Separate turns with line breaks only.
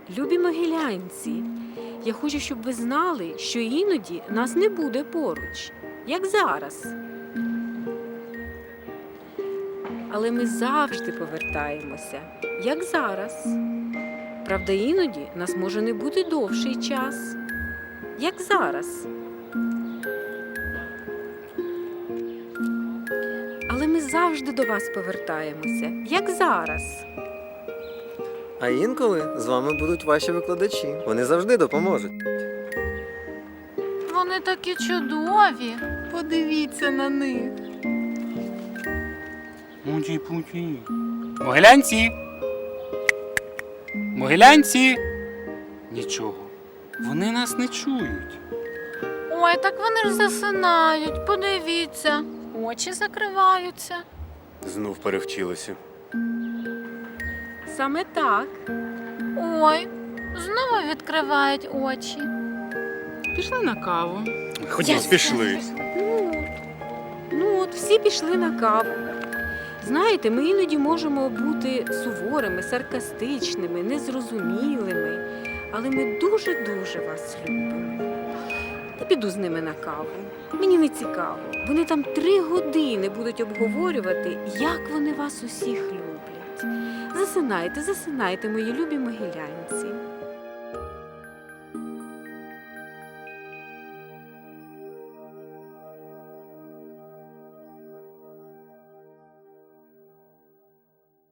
Любі могилянці, я хочу, щоб ви знали, що іноді нас не буде поруч, як зараз. Але ми завжди повертаємося, як зараз. Правда, іноді нас може не бути довший час, як зараз. Але ми завжди до вас повертаємося, як зараз.
А інколи з вами будуть ваші викладачі. Вони завжди допоможуть.
Вони такі чудові. Подивіться на них.
Муті-путі. Могилянці! Могилянці! Нічого. Вони нас не чують.
Ой, так вони ж засинають. Подивіться. Очі закриваються.
Знов перевчилися.
Саме так.
Ой, знову відкривають очі.
Пішли на каву.
Ходімо, пішли.
Ну от, всі пішли на каву. Знаєте, ми іноді можемо бути суворими, саркастичними, незрозумілими, але ми дуже-дуже вас любимо. Я піду з ними на каву. Мені не цікаво. Вони там 3 години будуть обговорювати, як вони вас усіх люблять. Засинайте, засинайте, мої любі могилянці.